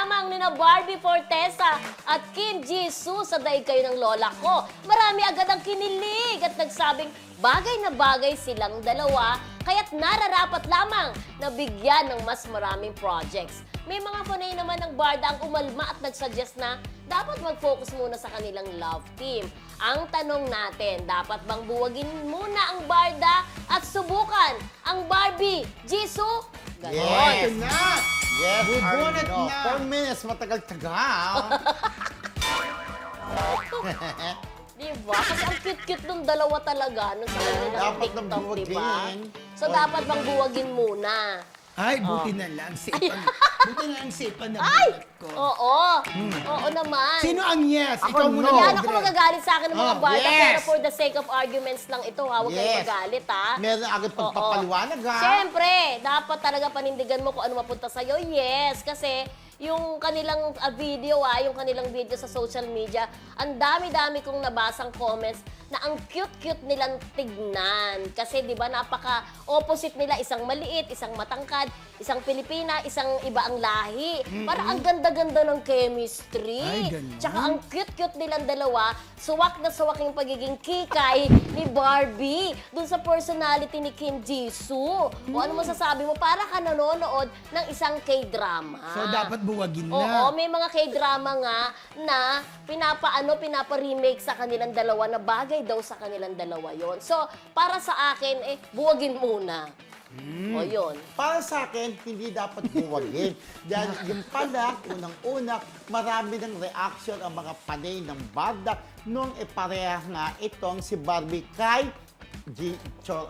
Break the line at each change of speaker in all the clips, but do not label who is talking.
lamang ni Barbie Fortesa at Kim Jisoo sa Daig Kayo ng Lola Ko. Marami agad ang kinilig at nagsabing bagay na bagay silang dalawa, kaya't nararapat lamang na bigyan ng mas maraming projects. May mga fanay naman ng Barda ang umalma at nagsuggest na dapat mag-focus muna sa kanilang love team. Ang tanong natin, dapat bang buwagin muna ang Barda at subukan ang Barbie, Jisoo? Ganon.
Yes.
Ito na!
Yes,
Bubunot
Arno.
na.
4 minutes, matagal-tagal.
Diba? Kasi ang cute-cute nung dalawa talaga nung sa kanilang
Dapat nang
TikTok, diba?
buwagin.
So, dapat bang buwagin muna?
Ay, buti na lang. Buti na lang safe na
Ay!
bulat ko.
Oo. Oo naman.
Sino ang yes?
Ako,
Ikaw muna.
no.
Yan ako magagalit sa akin ng mga
Oh,
Barda,
yes.
pero for the sake of arguments lang ito, ha? Huwag kayong
Yes.
magalit, ha?
Meron agad pagpapaliwanag, ha?
Siyempre, dapat talaga panindigan mo kung ano mapunta sa'yo. Yes, kasi yung kanilang video, yung kanilang video sa social media, ang dami-dami kong nabasang comments na ang cute-cute nilang tignan. Kasi di ba napaka-opposite nila, isang maliit, isang matangkad, isang Pilipina, isang iba ang lahi. Para ang ganda-ganda ng chemistry.
Ay, ganun.
Tsaka ang cute-cute nilang dalawa, suwak na suwak yung pagiging kikay ni Barbie dun sa personality ni Kim Jisoo. O ano masasabi mo? Para ka nanonood ng isang K-drama.
So, dapat buwagin
Oo,
na.
may mga K-drama nga na pinapa-remake sa kanilang dalawa na bagay daw sa kanilang dalawa yon. So, para sa akin, buwagin muna. O, yun.
Para sa akin, hindi dapat buwagin. Dahil yung pala, unang-una, marami ng reaction ang mga panay ng Barda nung ipareha nga itong si Barbie kay
Jisoo.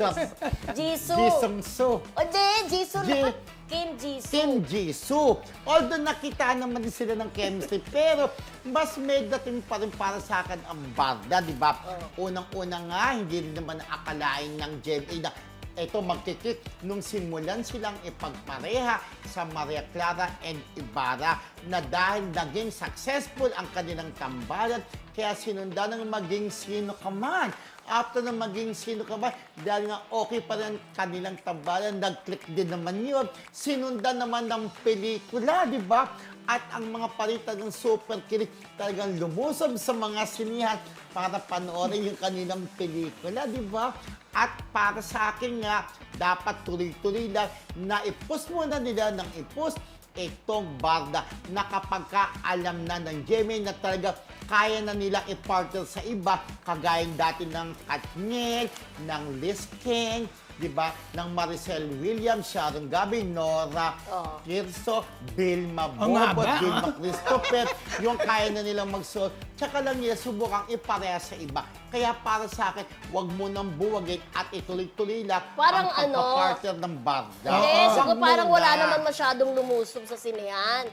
Jisoo.
O, Jisoo
Ji-
na. Kim Jisoo.
Kim Jisoo. Although nakita naman din sila ng chemistry, pero mas may dating pa rin para sa akin ang Barda, di ba? Unang-una nga, hindi rin naman akalain ng GMA na ito magkikik nung simulan silang ipagpareha sa Maria Clara and Ibarra na dahil naging successful ang kanilang tambalan, kaya sinundan ng maging sino ka man. After na maging sino ka ba, dahil nga okay pa rin kanilang tambalan, nag-click din naman yun. Sinundan naman ng pelikula, di ba? At ang mga palitan ng super kilig talagang lumusob sa mga sinihan para panoorin yung kanilang pelikula, di ba? At para sa akin nga, dapat tuloy-tuloy lang na i-post muna nila ng i-post itong Barda na kapag alam na ng GMA na talaga kaya na nila i-partner sa iba, kagayang dati ng Katniel, ng Liz King, di ba? Ng Maricel Williams, Sharon Gabi, Nora Kirso, Vilma
Ang
Bobo,
haba,
Vilma Christopher, yung kaya na nilang magsuot. Tsaka lang nila subukang ipareha sa iba. Kaya para sa akin, wag mo nang buwagin at ituloy-tuloy lang
Parang
ang pagpapartner ng Barda.
Hindi, siguro
Wag
parang
muna.
wala naman masyadong lumusob sa sinehan.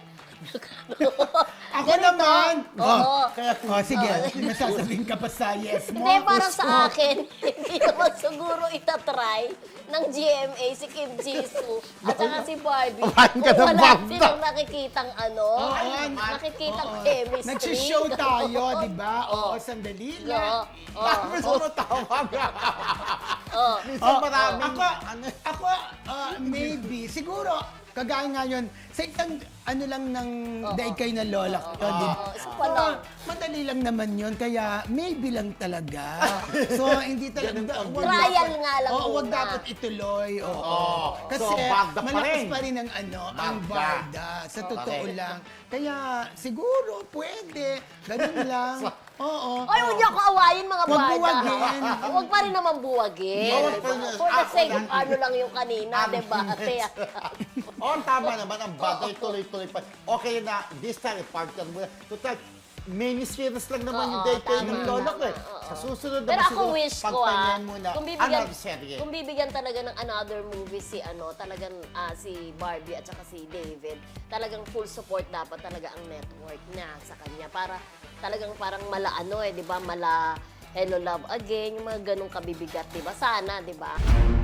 Ako
Ganito.
naman.
Oo.
Oh, sige. May sasabihin ka pa sa yes mo.
Hindi, parang sa akin, hindi naman siguro itatry ng GMA si Kim Jisoo at saka si Barbie.
Kumain ka
Kung
ng
wala
Barda.
silang nakikitang nakikitang chemistry.
Nagsishow tayo, di ba? Oo, sandali lang.
Tapos tumutawag.
Oo.
Minsan maraming...
Ako, maybe, siguro, kagaya nga yun, sa isang ano lang ng Daig Kayo ng Lola ko, di ba?
Isa pa lang.
Madali lang naman yun, kaya maybe lang talaga. So, hindi talaga.
Trial nga lang
Oo, wag
muna.
dapat ituloy. Oo.
Oo.
Kasi
So, Barda pa
malakas
rin.
pa rin ang ang
Barda.
Barda. Sa totoo
Correct.
lang. Kaya, siguro, pwede. Ganun lang. Oo.
Ay, huwag niyo ako awayin mga
Huwag
Barda.
buwagin.
Huwag pa rin naman buwagin.
Huwag pa rin.
For the sake of
Ako,
ano lang yung kanina, diba?
Oo, tama naman ang Barda, tuloy-tuloy pa. Okay na, this time, i-partner mo na. Total, mini-series lang naman yung Daig Kayo ng
tama,
Lola ko.
tama,
Sa susunod
Pero
naman
ako
siguro,
wish ko
pagpahingahan muna, another serye.
kung bibigyan talaga ng another movie si talagang si Barbie at saka si David, talagang full support dapat talaga ang network niya sa kanya para talagang parang mala 'di ba? Mala Hello Love Again, yung mga ganong kabibigat, 'di ba? Sana, 'di ba?